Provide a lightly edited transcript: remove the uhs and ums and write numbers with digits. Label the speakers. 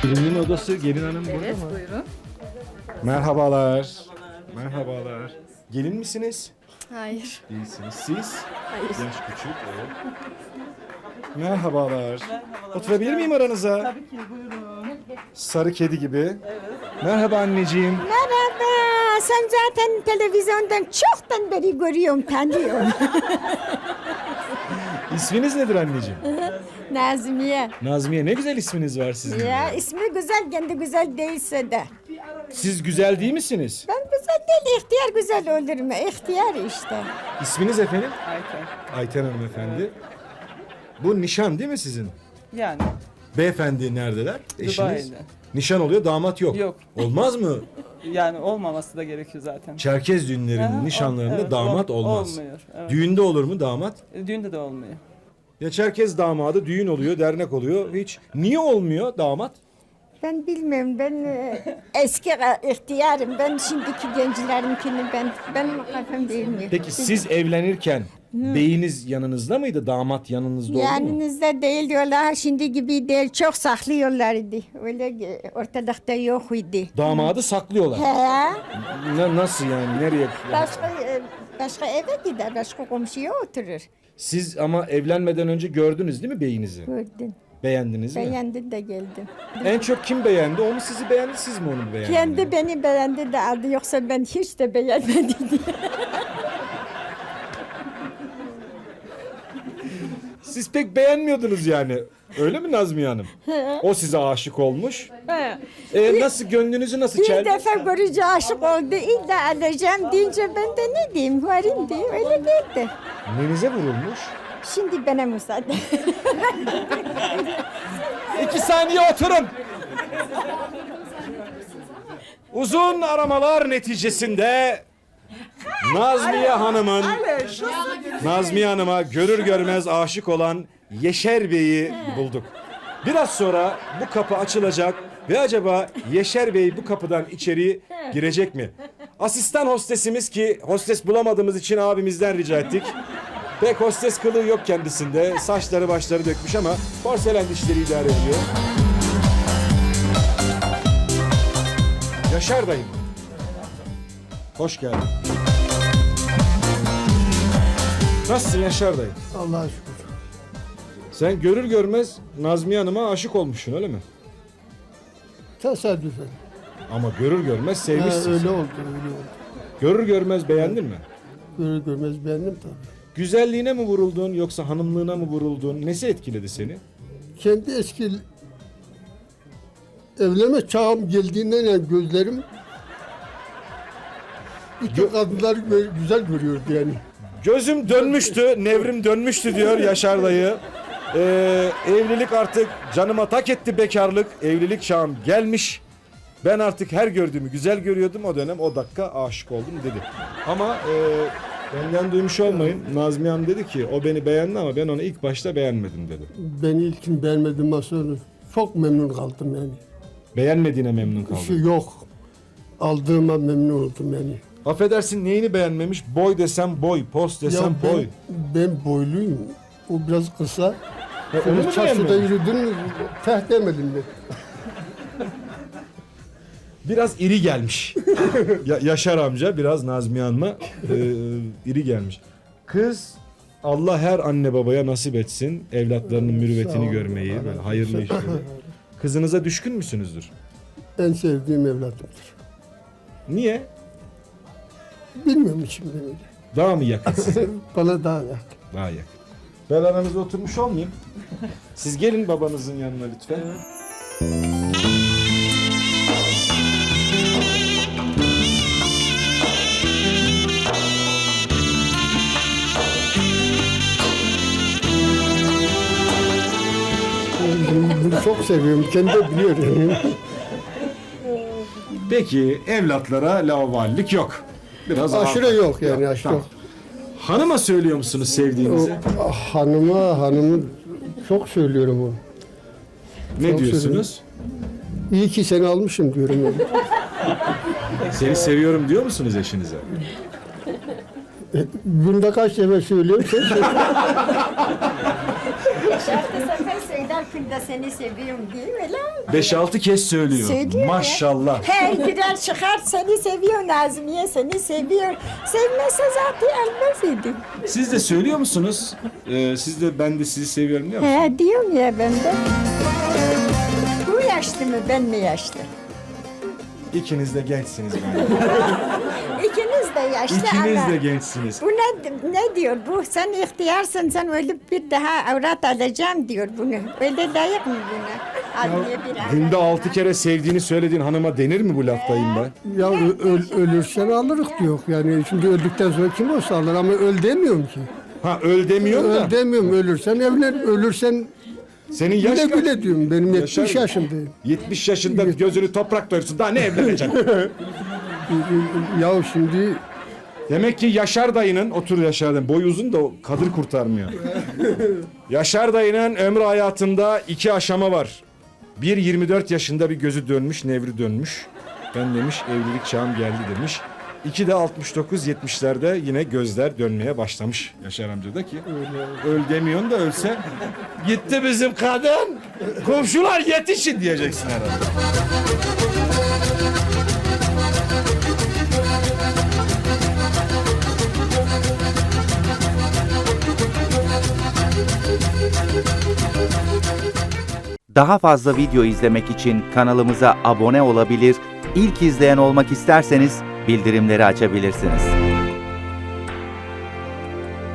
Speaker 1: Gelinin odası, gelin hanım burada
Speaker 2: Evet,
Speaker 1: mı?
Speaker 2: buyurun.
Speaker 1: Merhabalar. Merhabalar. Gelin misiniz?
Speaker 2: Hayır.
Speaker 1: Değilsiniz. Siz?
Speaker 2: Hayır.
Speaker 1: Genç küçük, evet. Merhabalar. Oturabilir miyim aranıza?
Speaker 3: Tabii ki buyurun.
Speaker 1: Sarı kedi gibi. Merhaba anneciğim.
Speaker 4: Merhaba. Sen zaten televizyondan çoktan beri görüyorum, tanıyorum.
Speaker 1: İsminiz nedir anneciğim?
Speaker 4: Nazmiye.
Speaker 1: Nazmiye, ne güzel isminiz var sizin.
Speaker 4: Ya ismi güzel, kendi güzel değilse de.
Speaker 1: Siz güzel değil misiniz?
Speaker 4: Ben güzel değil, ihtiyar güzel olur mu? İhtiyar işte.
Speaker 1: İsminiz efendim?
Speaker 3: Ayten.
Speaker 1: Ayten hanımefendi. Bu nişan değil mi sizin?
Speaker 3: Yani
Speaker 1: Beyefendi neredeler? Eşiniz?
Speaker 3: Dubai'de.
Speaker 1: Nişan oluyor, damat yok.
Speaker 3: Yok.
Speaker 1: Olmaz mı?
Speaker 3: Yani olmaması da gerekiyor zaten.
Speaker 1: Çerkez düğünlerinin
Speaker 3: Aha,
Speaker 1: nişanlarında
Speaker 3: evet,
Speaker 1: damat olmaz.
Speaker 3: Olmuyor. Evet.
Speaker 1: Düğünde olur mu damat?
Speaker 3: Düğünde de olmuyor.
Speaker 1: Ya Çerkez damadı düğün oluyor, dernek oluyor. Hiç. Niye olmuyor damat?
Speaker 4: Ben bilmiyorum, ben eski ihtiyarım. Ben şimdiki gençlerinkini benim kafam bilmiyor.
Speaker 1: Peki siz evlenirken beyiniz yanınızda mıydı? Damat yanınızda oldu mu?
Speaker 4: Yanınızda değil diyorlar, şimdi gibi değil. Çok saklıyorlardı. Öyle ortalıkta yok idi.
Speaker 1: Damadı saklıyorlar.
Speaker 4: He.
Speaker 1: Nasıl yani? Nereye?
Speaker 4: Başka eve gider, başka komşuya oturur.
Speaker 1: Siz ama evlenmeden önce gördünüz değil mi beyinizi?
Speaker 4: Gördüm.
Speaker 1: Beğendiniz mi?
Speaker 4: Beğendi de geldim.
Speaker 1: En çok kim beğendi? Onu sizi beğendi, siz mi onu beğendiniz?
Speaker 4: Kendi beni beğendi de aldı, yoksa ben hiç de beğenmedim diye.
Speaker 1: Siz pek beğenmiyordunuz yani. Öyle mi Nazmiye Hanım? O size aşık olmuş. Nasıl gönlünüzü nasıl
Speaker 4: Bir
Speaker 1: çeldi?
Speaker 4: defa görünce aşık oldu, illa alacağım deyince ben de ne diyeyim, varayım diye öyle geldi.
Speaker 1: Nenize vurulmuş?
Speaker 4: Şimdi bana müsaade.
Speaker 1: 2 saniye oturun. Uzun aramalar neticesinde Nazmiye Hanım'a görür görmez aşık olan Yeşer Bey'i bulduk. Biraz sonra bu kapı açılacak ve acaba Yeşer Bey bu kapıdan içeri girecek mi? Asistan hostesimiz, ki hostes bulamadığımız için abimizden rica ettik. Pek hostes kılığı yok kendisinde. Saçları başları dökmüş ama porselen dişleri idare ediyor. Yaşar dayım. Hoş geldin. Nasılsın Yaşar dayı?
Speaker 5: Allah'a şükür.
Speaker 1: Sen görür görmez Nazmiye Hanım'a aşık olmuşsun öyle mi?
Speaker 5: Tesadüfen.
Speaker 1: Ama görür görmez sevmişsin.
Speaker 5: Öyle oldu, öyle oldu.
Speaker 1: Görür görmez beğendin mi?
Speaker 5: Görür görmez beğendim tabii.
Speaker 1: Güzelliğine mi vuruldun yoksa hanımlığına mı vuruldun? Nesi etkiledi seni?
Speaker 5: Kendi eski evlenme çağım geldiğinden yani gözlerim bütün kadınları güzel görüyordu yani.
Speaker 1: Gözüm dönmüştü, nevrim dönmüştü diyor Yaşar dayı. Evlilik artık canıma tak etti, bekarlık. Evlilik çağım gelmiş. Ben artık her gördüğümü güzel görüyordum o dönem, o dakika aşık oldum dedi. Ama benden duymuş olmayın. Nazmiye Hanım dedi ki o beni beğendi ama ben onu ilk başta beğenmedim dedi.
Speaker 5: Beni ilkin beğenmedim sonra çok memnun kaldım yani.
Speaker 1: Beğenmediğine memnun
Speaker 5: Bir şey
Speaker 1: kaldım.
Speaker 5: yok. Aldığıma memnun oldum yani.
Speaker 1: Affedersin, neyini beğenmemiş? Boy desem boy, pos desem boy.
Speaker 5: Ben boyluyum. O biraz kısa.
Speaker 1: Onu mu
Speaker 5: Çarşıda
Speaker 1: beğenmemiş?
Speaker 5: yürüdüm, teh demedim ben.
Speaker 1: Biraz iri gelmiş. Yaşar amca biraz Nazmiye Hanım'a iri gelmiş. Kız, Allah her anne babaya nasip etsin evlatlarının mürüvvetini
Speaker 5: Sağ ol.
Speaker 1: görmeyi, böyle hayırlı işleri. Kızınıza düşkün müsünüzdür?
Speaker 5: En sevdiğim evladımdır.
Speaker 1: Niye?
Speaker 5: Bilmiyorum şimdi öyle.
Speaker 1: Daha mı yakın size?
Speaker 5: Bana daha yakın.
Speaker 1: Daha yakın. Ben aranızda oturmuş olmayayım. Siz gelin babanızın yanına lütfen.
Speaker 5: Bunu çok seviyorum. Kendi de biliyor yani.
Speaker 1: Peki evlatlara laubalilik yok. Biraz
Speaker 5: Aşırı
Speaker 1: ağır.
Speaker 5: yok yani aşırı
Speaker 1: Tamam.
Speaker 5: yok.
Speaker 1: Hanıma söylüyor musunuz
Speaker 5: O,
Speaker 1: sevdiğinizi?
Speaker 5: hanımı çok söylüyorum onu.
Speaker 1: Ne
Speaker 5: çok
Speaker 1: diyorsunuz?
Speaker 5: İyi ki seni almışım diyorum yani.
Speaker 1: Seni seviyorum diyor musunuz eşinize?
Speaker 5: Günde kaç sefer söylüyorum sen söyle.
Speaker 4: Şarkı sefer söyler, yaşında seni seviyorum diye öyle mi?
Speaker 1: 5-6 kez söylüyor.
Speaker 4: Söylüyor ya.
Speaker 1: Maşallah.
Speaker 4: Her girer çıkar seni seviyor Nazmiye seni seviyor. Sevmese zaten elmez idi.
Speaker 1: Siz de söylüyor musunuz? Siz de ben de sizi seviyorum diyor musunuz?
Speaker 4: He diyorum ya ben de. Bu yaşlı mı ben mi yaşlı?
Speaker 1: İkiniz de gençsiniz bence.
Speaker 4: İkiniz de yaşlı
Speaker 1: İkiniz
Speaker 4: ama.
Speaker 1: de gençsiniz.
Speaker 4: Bu ne diyor bu? Sen ihtiyarsın sen ölüp bir daha avrat alacağım diyor bunu. Öyle layık mı buna? Adliye bir avrat.
Speaker 1: Günde 6 kere sevdiğini söylediğin hanıma denir mi bu laf dayım be?
Speaker 5: Ya ölürsen alırız diyor. Yani şimdi öldükten sonra kim olsa alır ama öl demiyorum ki.
Speaker 1: Ha öl demiyorum da.
Speaker 5: Öl demiyorum. Ölürsen evlen. Ölürsen
Speaker 1: Senin yaş
Speaker 5: güle
Speaker 1: kaç?
Speaker 5: güle diyorum. Benim 70
Speaker 1: Yaşar-
Speaker 5: yaşındayım.
Speaker 1: 70 yaşında gözünü toprak doyursun. Daha ne evleneceksin?
Speaker 5: Ya şimdi
Speaker 1: Demek ki Yaşar dayının, otur Yaşar dayının, boy uzun da o kadır kurtarmıyor. Yaşar dayının ömrü hayatında 2 aşama var. Bir 24 yaşında bir gözü dönmüş, nevri dönmüş. Ben demiş evlilik çağım geldi demiş. 2 de 69-70'lerde yine gözler dönmeye başlamış Yaşar amca da ki. Öl demiyorsun da ölse gitti bizim kadın. Komşular yetişin diyeceksin herhalde.
Speaker 2: Daha fazla video izlemek için kanalımıza abone olabilir, ilk izleyen olmak isterseniz bildirimleri açabilirsiniz.